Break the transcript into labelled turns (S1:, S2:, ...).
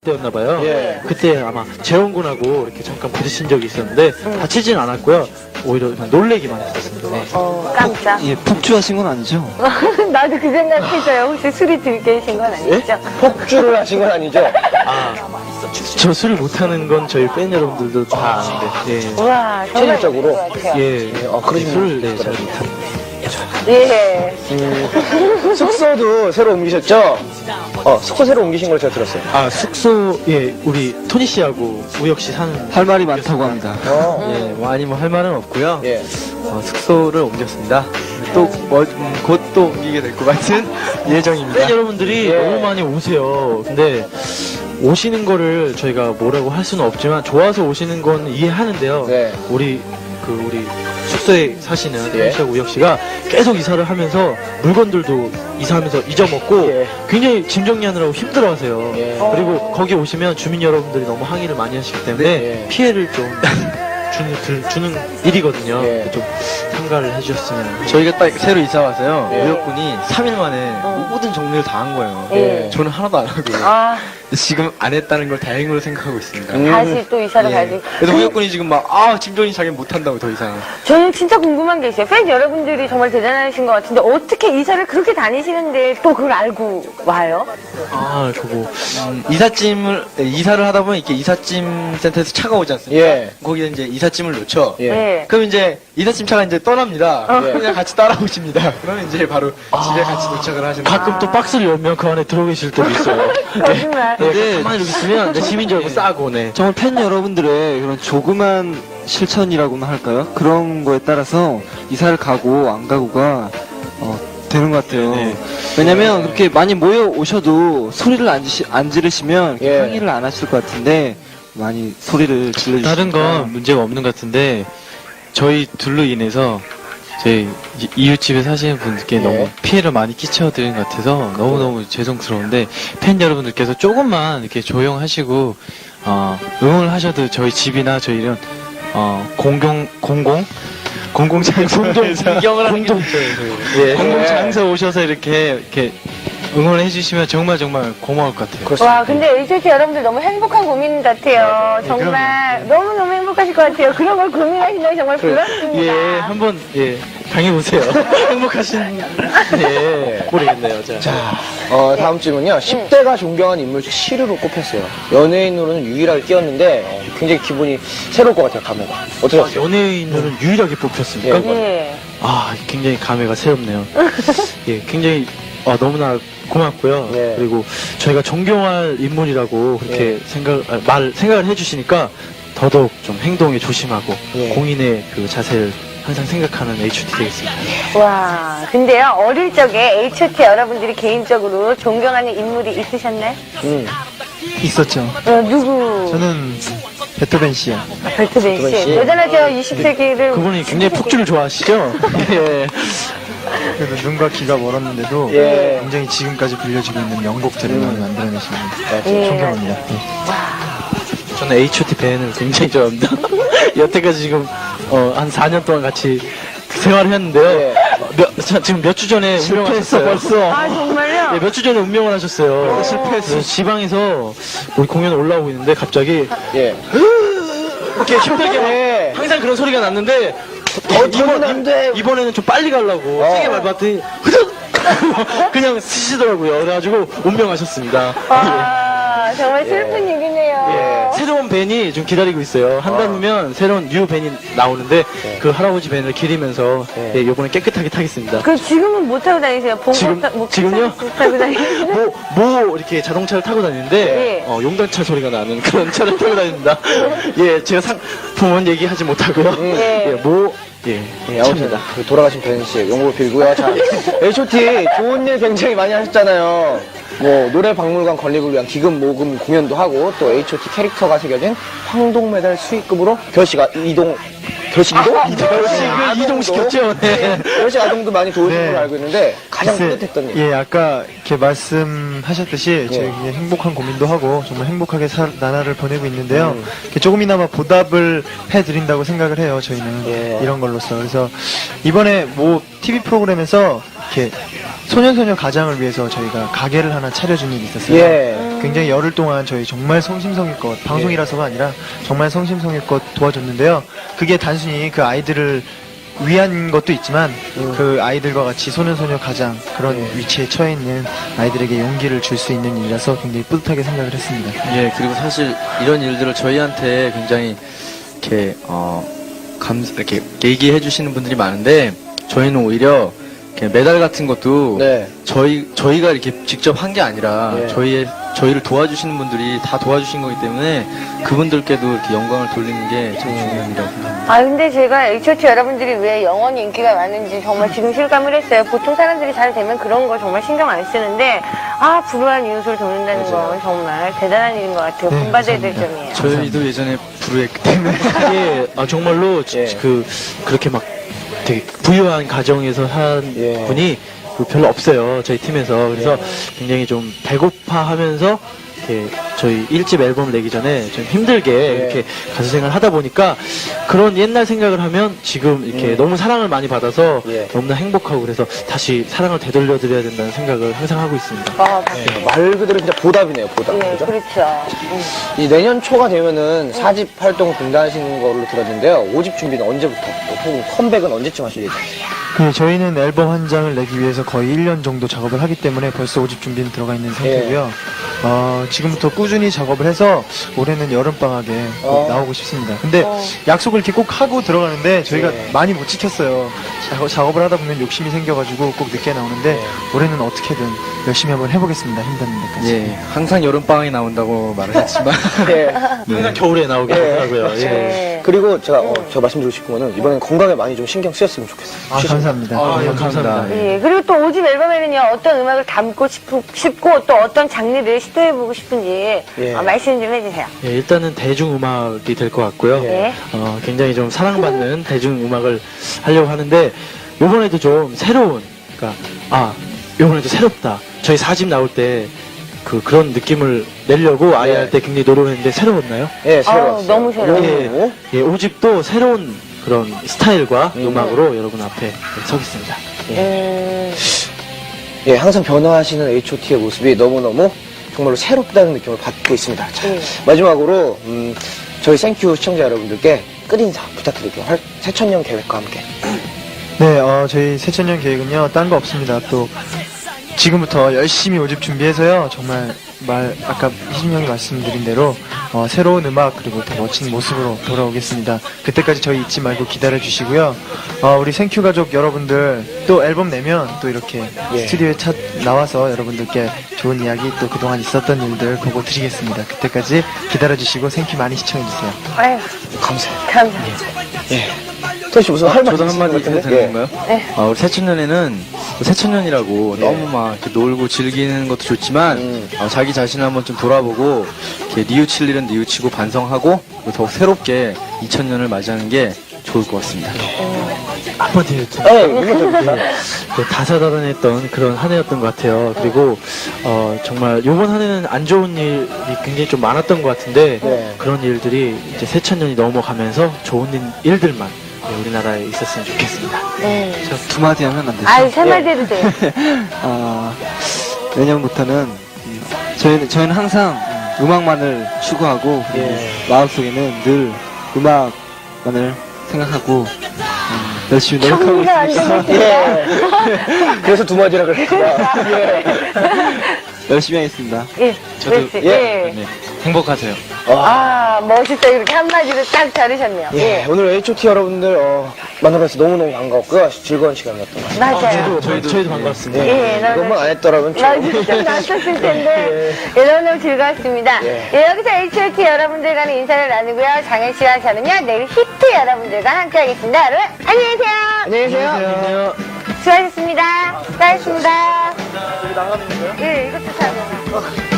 S1: 때였나봐요.
S2: 예.
S1: 그때 아마 재원군하고 이렇게 잠깐 부딪힌 적이 있었는데 다치진 않았고요. 오히려 그냥 놀래기만 했었습니다. 네.
S3: 깜짝.
S4: 예, 폭주하신 건 아니죠?
S3: 나도 그 생각했어요. 혹시 술이 들깨신 건 아니죠?
S2: 폭주를 하신 건 아니죠?
S1: 아, 저 술을 못하는 건 저희 팬 여러분들도 다 아는데. 예.
S3: 우와, 정말
S2: 체질적으로?
S3: 그럴 것 같아요.
S1: 예.
S2: 그러시구나.
S1: 술을 네, 잘 못합니다.
S3: 예.
S2: 숙소도 새로 옮기셨죠? 숙소 새로 옮기신 걸 제가 들었어요.
S1: 아, 숙소, 예, 우리 토니 씨하고 우혁 씨 사는.
S4: 할 말이 많다고 합니다.
S1: 예, 뭐 아니 뭐 할 말은 없고요.
S2: 예.
S1: 숙소를 옮겼습니다. 또, 곧 또 옮기게 될 것 같은 예정입니다. 팬 여러분들이
S2: 예.
S1: 너무 많이 오세요. 근데, 오시는 거를 저희가 뭐라고 할 수는 없지만, 좋아서 오시는 건 이해하는데요.
S2: 네.
S1: 우리 숙소에 사시는
S2: 예.
S1: 토니 씨하고 우혁 씨가 계속 이사를 하면서 물건들도 이사하면서 잊어먹고
S2: 예.
S1: 굉장히 짐 정리하느라고 힘들어 하세요.
S2: 예.
S1: 그리고 거기 오시면 주민 여러분들이 너무 항의를 많이 하시기 때문에
S2: 네.
S1: 피해를 좀 주는 일이거든요.
S2: 예.
S1: 좀 참가를 해주셨으면. 저희가 딱 새로 이사 와서요.
S2: 예.
S1: 우혁군이 3일 만에 모든 정리를 다 한 거예요.
S3: 예.
S1: 저는 하나도 안 하고
S3: 아,
S1: 지금 안 했다는 걸 다행으로 생각하고 있습니다.
S3: 다시 또 이사를 가지.
S1: 그래서 우혁군이 지금 막 짐 정리 자기는 못한다고 더 이상.
S3: 저는 진짜 궁금한 게 있어요. 팬 여러분들이 정말 대단하신 것 같은데 어떻게 이사를 그렇게 다니시는데 또 그걸 알고 와요?
S1: 그거 이사를 하다 보면 이렇게 이삿짐 센터에서 차가 오지 않습니까?
S2: 예.
S1: 거기에 이제 이삿짐을 놓죠.
S2: 예.
S3: 네.
S1: 그럼 이제 이삿짐 차가 이제 떠납니다. 그냥 같이 따라오십니다. 그러면 이제 바로 집에 같이 도착을 하시는. 가끔 또 박스를 열면 그 안에 들어 계실 때도 있어요.
S3: 거짓말.
S1: 네, 가만히 이렇게 있으면 내 짐인 줄 알고 싸고, 네.
S4: 정말 팬 여러분들의 그런 조그만 실천이라고나 할까요? 그런 거에 따라서 이사를 가고 안 가고가 되는 것 같아요.
S1: 네.
S4: 왜냐면 그렇게 많이 모여 오셔도 소리를 안 지르시면
S2: 예.
S4: 항의를 안 하실 것 같은데 많이 소리를 질러주시니까
S1: 다른 건 문제가 없는 것 같은데 저희 둘로 인해서 저희 이웃집에 사시는 분들께
S2: 예.
S1: 너무 피해를 많이 끼쳐드린 것 같아서 너무너무 죄송스러운데 팬 여러분들께서 조금만 이렇게 조용하시고 응원을 하셔도 저희 집이나 저희 이런 공공장소에서
S4: 구경을 하는 게
S1: 예, 공공장소 오셔서 이렇게 응원해 주시면 정말 고마울 것 같아요.
S3: 와, 근데 HOT 여러분들 너무 행복한 고민 같아요. 정말 너무너무 행복하실 것 같아요. 그런 걸 고민하시는 게 정말 부럽습니다.
S1: 예, 한번 당해보세요. 행복하신 모르겠네요. 자,
S2: 다음 질문은요. 10대가 존경한 인물 중 시류로 꼽혔어요. 연예인으로는 유일하게 끼었는데 굉장히 기분이 새로울 것 같아요, 감회가. 어떠셨어요?
S1: 연예인으로는 유일하게 뽑혔습니까?
S3: 예.
S1: 굉장히 감회가 새롭네요. 예, 굉장히 너무나 고맙고요.
S2: 예.
S1: 그리고 저희가 존경할 인물이라고 그렇게 생각을 해주시니까 더더욱 좀 행동에 조심하고
S2: 예.
S1: 공인의 그 자세를 항상 생각하는 HOT 되겠습니다.
S3: 와, 근데요, 어릴 적에 HOT 여러분들이 개인적으로 존경하는 인물이 있으셨나요?
S4: 있었죠.
S3: 누구?
S4: 저는 베토벤 씨요.
S3: 별트벤
S2: 씨.
S3: 씨. 여전하죠, 20세기를.
S1: 그분이 굉장히 폭주를 좋아하시죠? 예.
S4: 그래도 눈과 귀가 멀었는데도
S2: 예.
S4: 굉장히 지금까지 불려지고 있는 명곡들을 많이 만들어내시는
S3: 예.
S4: 존경합니다.
S1: 저는 HOT 밴을 굉장히 좋아합니다. 여태까지 지금 한 4년 동안 같이 생활을 했는데요.
S2: 예.
S1: 지금 몇 주 전에
S4: 실패했어,
S1: 운명을 하셨어요.
S4: 벌써.
S3: 아, 정말요?
S1: 몇 주 전에 운명을 하셨어요. 실패했어요. 지방에서 우리 공연 올라오고 있는데 갑자기
S2: 예.
S1: 이렇게 힘들게
S2: 예.
S1: 항상 그런 소리가 났는데
S2: 더는 안 돼.
S1: 이번에는 좀 빨리 가려고 세게 밟았더니 흐득 그냥 쓰시더라고요. 그래가지고 운명하셨습니다.
S3: 와, 정말 슬픈 얘기네요.
S1: 새로운 밴이 좀 기다리고 있어요. 한 달 후면 새로운 뉴 밴이 나오는데 그 할아버지 밴을 기리면서 요번에 깨끗하게 타겠습니다.
S3: 그 지금은 못 타고 다니세요?
S1: 지금요?
S3: 못 타고 다니세요?
S1: 이렇게 자동차를 타고 다니는데
S3: 예.
S1: 용단차 소리가 나는 그런 차를 타고 다닙니다. 예, 제가 상품은 얘기하지 못하고요.
S3: 예.
S2: 예, 아무튼 돌아가신 벤 씨의 용을 빌고요. 자, H.O.T 좋은 일 굉장히 많이 하셨잖아요. 뭐 노래 박물관 건립을 위한 기금 모금 공연도 하고 또 H.O.T 캐릭터가 새겨진 황동 메달 수익금으로 결식
S1: 이동시켰죠. 네.
S2: 결식 아동도 많이 도와준
S4: 네.
S2: 걸로 알고 있는데 가장
S4: 글쎄,
S2: 뿌듯했던 일.
S4: 예, 아까 이렇게 말씀하셨듯이
S2: 예.
S4: 저희 굉장히 행복한 고민도 하고 정말 행복하게 나날을 보내고 있는데요. 이렇게 조금이나마 보답을 해드린다고 생각을 해요. 저희는
S2: 예.
S4: 이런 걸로써. 그래서 이번에 뭐 TV 프로그램에서 이렇게
S5: 소년소녀 가장을 위해서 저희가 가게를 하나 차려준 일이 있었어요.
S2: 예.
S5: 굉장히 열흘 동안 저희 정말 성심성의껏 방송이라서가 아니라 정말 성심성의껏 도와줬는데요. 그게 단순히 그 아이들을 위한 것도 있지만 그 아이들과 같이 소년소녀 가장 그런 위치에 처해 있는 아이들에게 용기를 줄 수 있는 일이라서 굉장히 뿌듯하게 생각을 했습니다.
S6: 예, 그리고 사실 이런 일들을 저희한테 굉장히 이렇게 이렇게 얘기해 주시는 분들이 많은데 저희는 오히려 이렇게 메달 같은 것도
S2: 네.
S6: 저희가 이렇게 직접 한 게 아니라
S2: 예.
S6: 저희를 도와주시는 분들이 다 도와주신 거기 때문에 그분들께도 이렇게 영광을 돌리는 게 참 중요한 일이라고 생각합니다.
S3: 아, 근데 제가 H.O.T 여러분들이 왜 영원히 인기가 많은지 정말 지금 실감을 했어요. 보통 사람들이 잘 되면 그런 거 정말 신경 안 쓰는데, 아, 불우한 이웃을 돕는다는 건 정말 대단한 일인 것 같아요.
S5: 네,
S3: 본받아야 될
S5: 감사합니다.
S3: 점이에요.
S6: 저희도 예전에 불우했기 때문에
S1: 예, 정말로
S2: 예.
S1: 그렇게 막 되게 부유한 가정에서 산
S2: 예.
S1: 분이 별로 없어요. 저희 팀에서. 그래서 굉장히 좀 배고파하면서 이렇게 저희 1집 앨범 내기 전에 좀 힘들게 이렇게 가수 생활을 하다 보니까 그런 옛날 생각을 하면 지금 이렇게 너무 사랑을 많이 받아서
S2: 예.
S1: 너무나 행복하고 그래서 다시 사랑을 되돌려드려야 된다는 생각을 항상 하고 있습니다.
S3: 아,
S2: 말 그대로 진짜 보답이네요, 보답.
S3: 예,
S2: 그죠?
S3: 그렇죠.
S2: 이 내년 초가 되면은 4집 활동 중단하시는 걸로 들었는데요. 5집 준비는 언제부터? 또 혹은 컴백은 언제쯤 하실 예정이세요?
S5: 저희는 앨범 한 장을 내기 위해서 거의 1년 정도 작업을 하기 때문에 벌써 5집 준비는 들어가 있는 상태고요. 지금부터 꾸준히 작업을 해서 올해는 여름방학에 꼭 나오고 싶습니다. 근데 약속을 이렇게 꼭 하고 들어가는데 저희가 많이 못 지켰어요. 작업을 하다 보면 욕심이 생겨가지고 꼭 늦게 나오는데 올해는 어떻게든 열심히 한번 해보겠습니다. 힘드는 데까지.
S6: 예, 항상 여름방학이 나온다고 말을 했지만
S2: 예.
S1: 항상 겨울에 나오게 하더라고요. 예.
S3: 네.
S2: 그리고 제가 말씀드리고 싶은 거는 이번엔 건강에 많이 좀 신경 쓰였으면 좋겠어요.
S5: 감사합니다.
S1: 감사합니다.
S3: 예, 그리고 또 5집 앨범에는요, 어떤 음악을 담고 싶고 또 어떤 장르를 시도해보고 싶은지
S2: 예.
S3: 말씀 좀 해주세요.
S1: 예, 일단은 대중음악이 될 것 같고요.
S3: 예.
S1: 굉장히 좀 사랑받는 대중음악을 하려고 하는데, 요번에도 좀 새로운, 요번에도 새롭다. 저희 4집 나올 때, 그런 느낌을 내려고 아예 할 때 굉장히 노력했는데, 새로웠나요?
S2: 예, 새로웠어요.
S3: 너무 새로워요.
S2: 예.
S1: 예, 5집도 새로운 그런 스타일과 음악으로 여러분 앞에 서겠습니다.
S2: 예, 항상 변화하시는 H.O.T의 모습이 너무너무 정말로 새롭다는 느낌을 받고 있습니다. 자, 마지막으로 저희 생큐 시청자 여러분들께 끝인사 부탁드릴게요. 새천년 계획과 함께.
S5: 네, 저희 새천년 계획은요, 딴 거 없습니다. 또, 지금부터 열심히 5집 준비해서요, 정말 아까 희준 형이 말씀드린 대로, 새로운 음악, 그리고 더 멋진 모습으로 돌아오겠습니다. 그때까지 저희 잊지 말고 기다려주시고요. 우리 생큐 가족 여러분들, 또 앨범 내면 또 이렇게 스튜디오에 나와서 여러분들께 좋은 이야기, 또 그동안 있었던 일들 보고 드리겠습니다. 그때까지 기다려주시고 생큐 많이 시청해주세요.
S3: 아유,
S2: 감사해요.
S3: 감사합니다.
S2: 예. 토시 무슨 할 말
S6: 저도 한마디
S2: 있으신 것
S6: 해도
S2: 같은데?
S6: 되는 건가요?
S3: 네.
S6: 우리 새천년에는 새천년이라고 너무 막 이렇게 놀고 즐기는 것도 좋지만 자기 자신을 한번 좀 돌아보고 이렇게 뉘우칠 일은 뉘우치고 반성하고 더욱 새롭게 2000년을 맞이하는 게 좋을 것 같습니다.
S1: 한마디 해도
S2: 예, 이거
S1: 다사다난했던 그런 한 해였던 것 같아요. 그리고 정말 요번 한 해는 안 좋은 일이 굉장히 좀 많았던 것 같은데
S2: 네.
S1: 그런 일들이 이제 새천년이 넘어가면서 좋은 일들만 우리나라에 있었으면 좋겠습니다.
S4: 저 두 마디 하면 안 되죠?
S3: 아유, 세 마디 해도 돼요.
S4: 내년부터는 저희는 항상 음악만을 추구하고 마음속에는 늘 음악만을 생각하고 열심히 노력하고
S3: 정리가 안
S4: 있습니다.
S3: 되니까.
S2: 그래서 두 마디라 그랬구나. 예.
S4: 열심히 하겠습니다.
S3: 예,
S1: 저도
S3: 그렇지. 예.
S1: 행복하세요.
S3: 멋있다. 이렇게 한마디로 딱 자르셨네요.
S2: 예, 오늘 H.O.T 여러분들 만나뵈서 너무너무 반가웠고요. 즐거운 시간이었던 것 같아요.
S3: 맞아요.
S1: 저희도 반갑습니다.
S3: 예,
S2: 이것만 안 했더라면
S3: 나 진짜 낯섰을 텐데 너무너무 즐거웠습니다. 예, 여기서 H.O.T 여러분들과는 인사를 나누고요. 장현 씨와 저는요 내일 히트 여러분들과 함께하겠습니다. 여러분 안녕히 계세요.
S2: 안녕히 계세요.
S3: 수고하셨습니다. 수고하셨습니다. 여기 나가는 거요? 예, 이것도 잘 먹어.